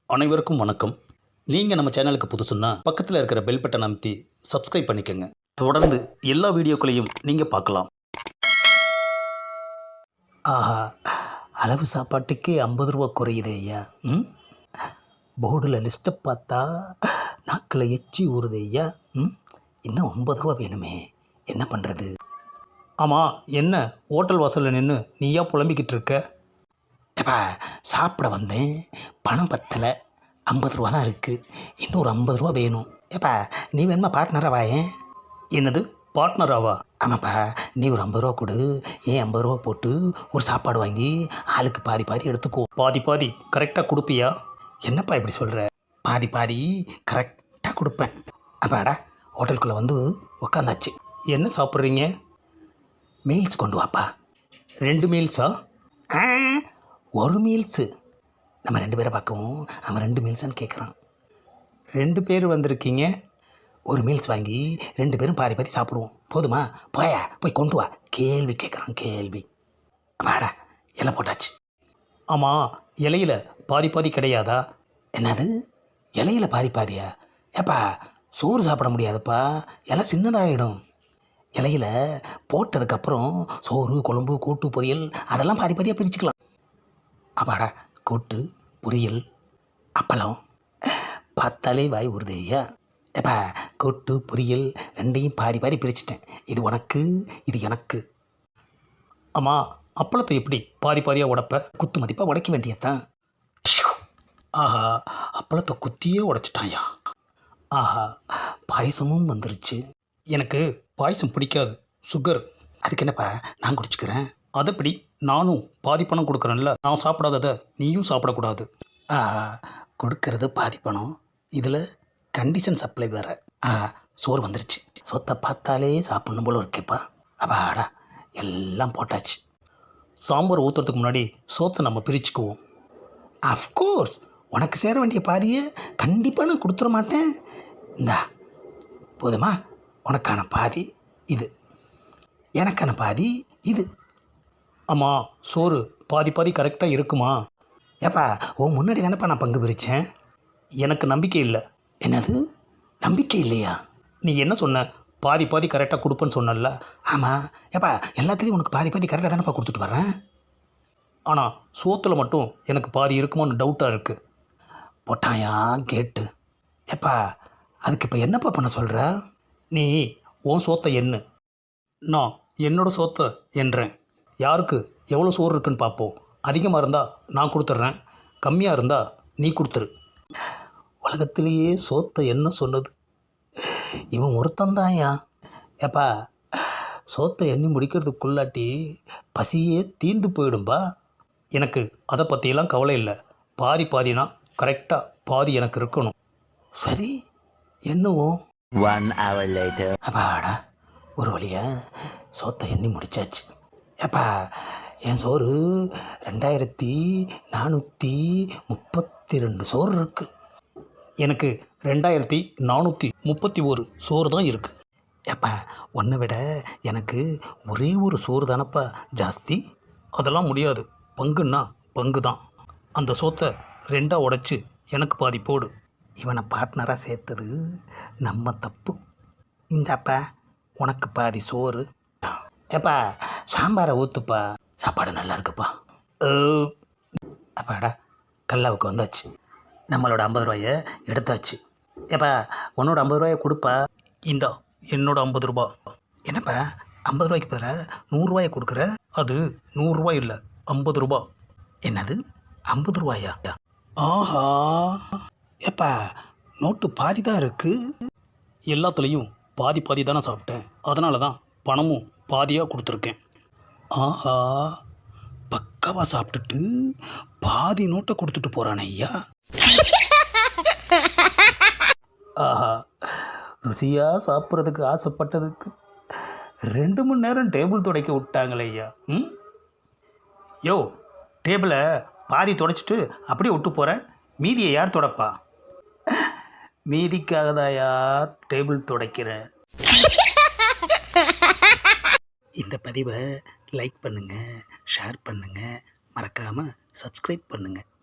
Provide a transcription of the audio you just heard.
அனைவருக்கும் வணக்கம். நீங்கள் நம்ம சேனலுக்கு புதுசுன்னா பக்கத்தில் இருக்கிற பெல் பட்டன் அமைத்தி சப்ஸ்கிரைப் பண்ணிக்கோங்க. தொடர்ந்து எல்லா வீடியோக்களையும் நீங்கள் பார்க்கலாம். ஆஹா, அளவு சாப்பாட்டுக்கே 50 ரூபா குறையுது ஐயா. போர்டில் லிஸ்ட்டை பார்த்தா நாக்கில் எச்சி ஊறுது ஐயா. இன்னும் 50 ரூபா வேணுமே, என்ன பண்ணுறது? ஆமாம், என்ன ஹோட்டல் வாசலில் நின்று நீயா புலம்பிக்கிட்டு இருக்க? ஏப்பா, சாப்பிட வந்தேன், பணம் பத்தலை, 50 ரூபா தான் இருக்குது, இன்னொரு 50 ரூபா வேணும். ஏப்பா, நீ வேணுமா பார்ட்னராக வாயேன். என்னது பார்ட்னராவா? ஆமாப்பா, நீ ஒரு 50 ரூபா கொடு, ஏன் 50 ரூபா போட்டு ஒரு சாப்பாடு வாங்கி ஆளுக்கு பாதி பாதி எடுத்துக்கோ. பாதி பாதி கரெக்டாக கொடுப்பியா? என்னப்பா இப்படி சொல்கிற? பாதி பாதி கரெக்டாக கொடுப்பேன். அப்பாடா, ஹோட்டலுக்குள்ளே வந்து உக்காந்தாச்சு. என்ன சாப்பிட்றீங்க? மீல்ஸ் கொண்டு வாப்பா. 2 மீல்ஸா? ஆ, ஒரு மீல்ஸு. நம்ம 2 பேரை பார்க்கவும் அவன் 2 மீல்ஸான்னு கேட்குறான். 2 பேர் வந்திருக்கீங்க, ஒரு மீல்ஸ் வாங்கி 2 பேரும் பாதி பாதி சாப்பிடுவோம், போதுமா? போயா, போய் கொண்டு வா. கேள்வி கேட்குறான், கேள்வி. வாடா, இலை போட்டாச்சு. ஆமாம், இலையில பாதி பாதி கிடையாதா? என்னது, இலையில பாதி பாதியா? ஏப்பா, சோறு சாப்பிட முடியாதுப்பா, இலை சின்னதாகிடும். இலையில போட்டதுக்கப்புறம் சோறு, குழம்பு, கூட்டு, பொரியல் அதெல்லாம் பாதி பாதியாக பிரிச்சுக்கலாம். அப்பாடா, கூட்டு, பொரியல், அப்பளம், பார்த்தாலே வாய் ஊறுது ஐயா. ஏப்பா, கூட்டு, பொரியல் ரெண்டையும் பாதி பாதி பிரிச்சுட்டேன். இது உனக்கு, இது எனக்கு. ஆமாம், அப்பளத்தை எப்படி பாதி பாதியாக உடைப்ப? குத்து மதிப்பாக உடைக்க வேண்டியதுதான். ஆஹா, அப்பளத்தை குத்தியே உடைச்சிட்டாயா. ஆஹா, பாயசமும் வந்துருச்சு. எனக்கு பாயசம் பிடிக்காது, சுகர். அதுக்கு என்னப்பா, நான் குடிச்சுக்கிறேன். அதைப்படி நானும் பாதி பணம் கொடுக்குறேன்ல, நான் சாப்பிடாததை நீயும் சாப்பிடக்கூடாது. கொடுக்கறது பாதி பணம், இதில் கண்டிஷன் சப்ளை வேறு. சோறு வந்துருச்சு. சொத்தை பார்த்தாலே சாப்பிட்ணும் போல இருக்கேப்பா. அப்பாடா, எல்லாம் போட்டாச்சு. சாம்பார் ஊற்றுறதுக்கு முன்னாடி சோத்தை நம்ம பிரிச்சுக்குவோம். அஃப்கோர்ஸ், உனக்கு சேர வேண்டிய பாதியை கண்டிப்பாக நான் கொடுத்துட மாட்டேன். இந்தா, போதுமா? உனக்கான பாதி இது, எனக்கான பாதி இது. ஆமாம், சோறு பாதி பாதி கரெக்டாக இருக்குமா? ஏப்பா, உன் முன்னாடி தானேப்பா நான் பங்கு பிரித்தேன். எனக்கு நம்பிக்கை இல்லை. என்னது, நம்பிக்கை இல்லையா? நீ என்ன சொன்ன? பாதி பாதி கரெக்டாக கொடுப்பேன்னு சொன்னல. ஆமாம். ஏப்பா, எல்லாத்துலேயும் உனக்கு பாதி பாதி கரெக்டாக தானேப்பா கொடுத்துட்டு வர்றேன். ஆனால் சோத்தில் மட்டும் எனக்கு பாதி இருக்குமான்னு டவுட்டாக இருக்குது. போட்டாயா கேட்டு. ஏப்பா, அதுக்கு இப்போ என்னப்பா பண்ண சொல்கிற? நீ உன் சோத்தை எண்ணு, நான் என்னோட சோத்தை எண்ணுறேன். யாருக்கு எவ்வளோ சோறு இருக்குன்னு பார்ப்போம். அதிகமாக இருந்தால் நான் கொடுத்துட்றேன், கம்மியாக இருந்தால் நீ கொடுத்துரு. உலகத்திலேயே சோத்தை என்ன சொன்னது இவன் ஒருத்தந்தாயா. ஏப்பா, சோத்தை எண்ணி முடிக்கிறதுக்குள்ளாட்டி பசியே தீர்ந்து போயிடும்பா. எனக்கு அதை பற்றியெல்லாம் கவலை இல்லை. பாதி பாதினா கரெக்டாக பாதி எனக்கு இருக்கணும். சரி, என்னவும். 1 hour later. அப்பாடா, ஒரு வழியாக சோத்தை எண்ணி முடிச்சாச்சு. ஏப்பா, என் சோறு 2432 சோறு இருக்குது. எனக்கு 2431 சோறு தான் இருக்குது. ஏப்பா, ஒன்றை விட எனக்கு ஒரே ஒரு சோறு தானப்பா ஜாஸ்தி. அதெல்லாம் முடியாது, பங்குன்னா பங்கு தான். அந்த சோத்தை 2ஆக உடைச்சி எனக்கு பாதி போடு. இவனை பார்ட்னராக சேர்த்தது நம்ம தப்பு. இந்தாப்பா, உனக்கு பாதி சோறு. ஏப்பா, சாம்பாரை ஊற்றுப்பா, சாப்பாடு நல்லா இருக்குப்பா. அப்பாடா, கல்லாவுக்கு வந்தாச்சு. நம்மளோட 50 ரூபாயை எடுத்தாச்சு. ஏப்பா, உன்னோட 50 ரூபாயை கொடுப்பா. இந்தா, என்னோட 50 ரூபா. என்னப்பா, 50 ரூபாய்க்கு பதிலாக 100 ரூபாயை கொடுக்குற? அது 100 ரூபாய் இல்லை, 50 ரூபா. என்னது, 50 ரூபாயா? ஆஹா, ஏப்பா, நோட்டு பாதி தான் இருக்குது. எல்லாத்துலேயும் பாதி பாதி தானே சாப்பிட்டேன், அதனால தான் பணமும் பாதியாக கொடுத்துருக்கேன். ஆஹா, பக்காவாக சாப்பிட்டுட்டு பாதி நோட்டை கொடுத்துட்டு போகிறானே ஐயா. ஆஹா, ருசியாக சாப்பிட்றதுக்கு ஆசைப்பட்டதுக்கு 2 மணி நேரம் டேபிள் துடைக்க விட்டாங்களே ஐயா. யோ, டேபிளை பாதி துடைச்சிட்டு அப்படியே விட்டு போகிறேன், மீதியை யார் துடைப்பா? மீதிக்காக தாயா டேபிள் துடைக்கிறேன். இந்த பதிவை லைக் பண்ணுங்கள், ஷேர் பண்ணுங்கள், மறக்காமல் சப்ஸ்கிரைப் பண்ணுங்கள்.